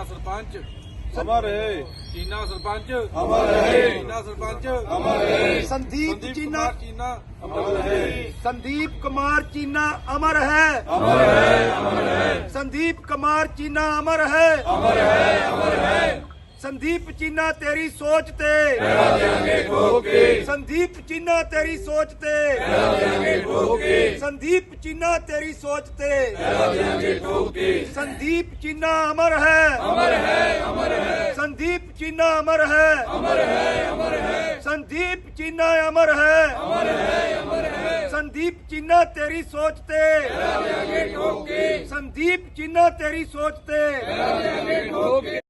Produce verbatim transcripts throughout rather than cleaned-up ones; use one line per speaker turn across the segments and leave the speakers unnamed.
चीना सरपंच
अमर रहे।
चीना सरपंच
अमर रहे।
चीना सरपंच
अमर रहे।
संदीप चीना
कुमार चीना
अमर रहे।
संदीप कुमार चीना अमर है।
अमर है। अमर है।
संदीप कुमार चीना अमर है।
अमर है। अमर है।
संदीप चीना तेरी सोच ते
लगा देंगे ठोक के।
संदीप चीना तेरी सोच ते
लगा देंगे ठोक के।
संदीप चीना तेरी सोच ते
लगा देंगे ठोक के।
संदीप चीना अमर है।
अमर है। अमर है।
संदीप चीना अमर है।
अमर है। अमर है।
संदीप चीना अमर है।
अमर है। अमर है।
संदीप चीना तेरी सोच ते
लगा देंगे ठोक के।
संदीप चीना तेरी सोच ते
लगा देंगे ठोक के।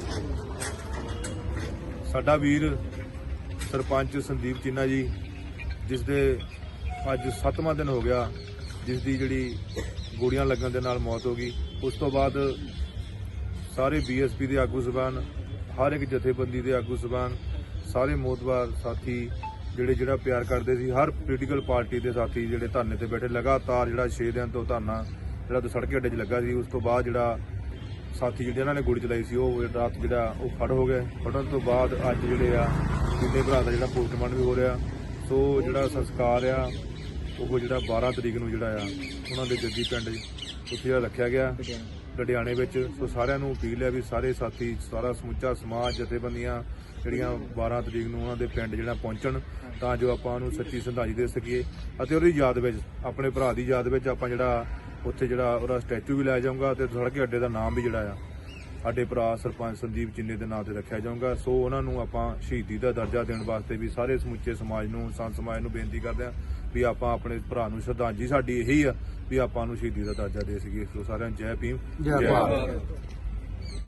ਸਾਡਾ ਵੀਰ ਸਰਪੰਚ ਸੰਦੀਪ ਚੀਨਾ ਜੀ, ਜਿਸ ਦੇ ਅੱਜ ਸੱਤਵਾਂ ਦਿਨ ਹੋ ਗਿਆ, ਜਿਸ ਦੀ ਜਿਹੜੀ ਗੋਲੀਆਂ ਲੱਗਣ ਦੇ ਨਾਲ ਮੌਤ ਹੋ ਗਈ। ਉਸ ਤੋਂ ਬਾਅਦ ਸਾਰੇ ਬੀਐਸਪੀ ਦੇ ਆਗੂ ਜ਼ਬਾਨ, ਹਰ ਇੱਕ ਜਥੇਬੰਦੀ ਦੇ ਆਗੂ ਜ਼ਬਾਨ, ਸਾਰੇ ਮੋਤਬਾਰ ਸਾਥੀ ਜਿਹੜੇ ਜਿਹੜਾ ਪਿਆਰ ਕਰਦੇ ਸੀ, ਹਰ ਪੋਲੀਟੀਕਲ ਪਾਰਟੀ ਦੇ ਸਾਥੀ ਜਿਹੜੇ ਧਰਨੇ ਤੇ ਬੈਠੇ, ਲਗਾਤਾਰ ਜਿਹੜਾ ਛੇ ਦਿਨ ਤੋਂ ਧਰਨਾ ਜਿਹੜਾ ਸੜਕੇ ਅੱਡੇ 'ਚ ਲੱਗਾ ਸੀ। ਉਸ ਤੋਂ ਬਾਅਦ ਜਿਹੜਾ ਸਾਥੀ ਜਿਹੜੇ ਇਹਨਾਂ ਨੇ ਗੋਲੀ ਚਲਾਈ ਸੀ ਉਹ ਰਾਤ ਜਿਹੜਾ ਉਹ ਫੜ ਹੋ ਗਏ। ਫੜਨ ਤੋਂ ਬਾਅਦ ਅੱਜ ਜਿਹੜੇ ਆ ਤਿੰਨੇ ਭਰਾ ਦਾ ਜਿਹੜਾ ਪੋਸਟਮਾਰਟਮ ਵੀ ਹੋ ਰਿਹਾ। ਸੋ ਜਿਹੜਾ ਸੰਸਕਾਰ ਆ ਉਹ ਜਿਹੜਾ ਬਾਰਾਂ ਤਰੀਕ ਨੂੰ ਜਿਹੜਾ ਆ ਉਹਨਾਂ ਦੇ ਜੱਦੀ ਪਿੰਡ ਉੱਥੇ ਜਿਹੜਾ ਰੱਖਿਆ ਗਿਆ ਲੁਧਿਆਣੇ ਵਿੱਚ। ਸੋ ਸਾਰਿਆਂ ਨੂੰ ਅਪੀਲ ਹੈ ਵੀ ਸਾਰੇ ਸਾਥੀ, ਸਾਰਾ ਸਮੁੱਚਾ ਸਮਾਜ, ਜਥੇਬੰਦੀਆਂ ਜਿਹੜੀਆਂ ਬਾਰਾਂ ਤਰੀਕ ਨੂੰ ਉਹਨਾਂ ਦੇ ਪਿੰਡ ਜਿਹੜਾ ਪਹੁੰਚਣ, ਤਾਂ ਜੋ ਆਪਾਂ ਉਹਨੂੰ ਸੱਚੀ ਸ਼ਰਧਾਂਜਲੀ ਦੇ ਸਕੀਏ ਅਤੇ ਉਹਦੀ ਯਾਦ ਵਿੱਚ, ਆਪਣੇ ਭਰਾ ਦੀ ਯਾਦ ਵਿੱਚ ਆਪਾਂ ਜਿਹੜਾ ਉੱਥੇ ਜਿਹੜਾ ਉਹਦਾ ਸਟੈਚੂ ਵੀ ਲਾਇਆ ਜਾਊਗਾ ਅਤੇ ਸੜਕੇ ਅੱਡੇ ਦਾ ਨਾਮ ਵੀ ਜਿਹੜਾ ਆ ਸਾਡੇ ਭਰਾ ਸਰਪੰਚ ਸੰਦੀਪ ਚੀਨੇ ਦੇ ਨਾਂ ਤੇ ਰੱਖਿਆ ਜਾਊਗਾ। ਸੋ ਉਹਨਾਂ ਨੂੰ ਆਪਾਂ ਸ਼ਹੀਦੀ ਦਾ ਦਰਜਾ ਦੇਣ ਵਾਸਤੇ ਵੀ ਸਾਰੇ ਸਮੁੱਚੇ ਸਮਾਜ ਨੂੰ, ਸੰਤ ਸਮਾਜ ਨੂੰ ਬੇਨਤੀ ਕਰਦੇ ਹਾਂ ਵੀ ਆਪਾਂ ਆਪਣੇ ਭਰਾ ਨੂੰ ਸ਼ਰਧਾਂਜਲੀ ਸਾਡੀ ਇਹੀ ਆ ਵੀ ਆਪਾਂ ਨੂੰ ਸ਼ਹੀਦੀ ਦਾ ਦਰਜਾ ਦੇ ਸਕੀਏ। ਸੋ ਸਾਰਿਆਂ ਨੂੰ ਜੈ ਭੀਮ, ਜੈ ਭਾਰਤ।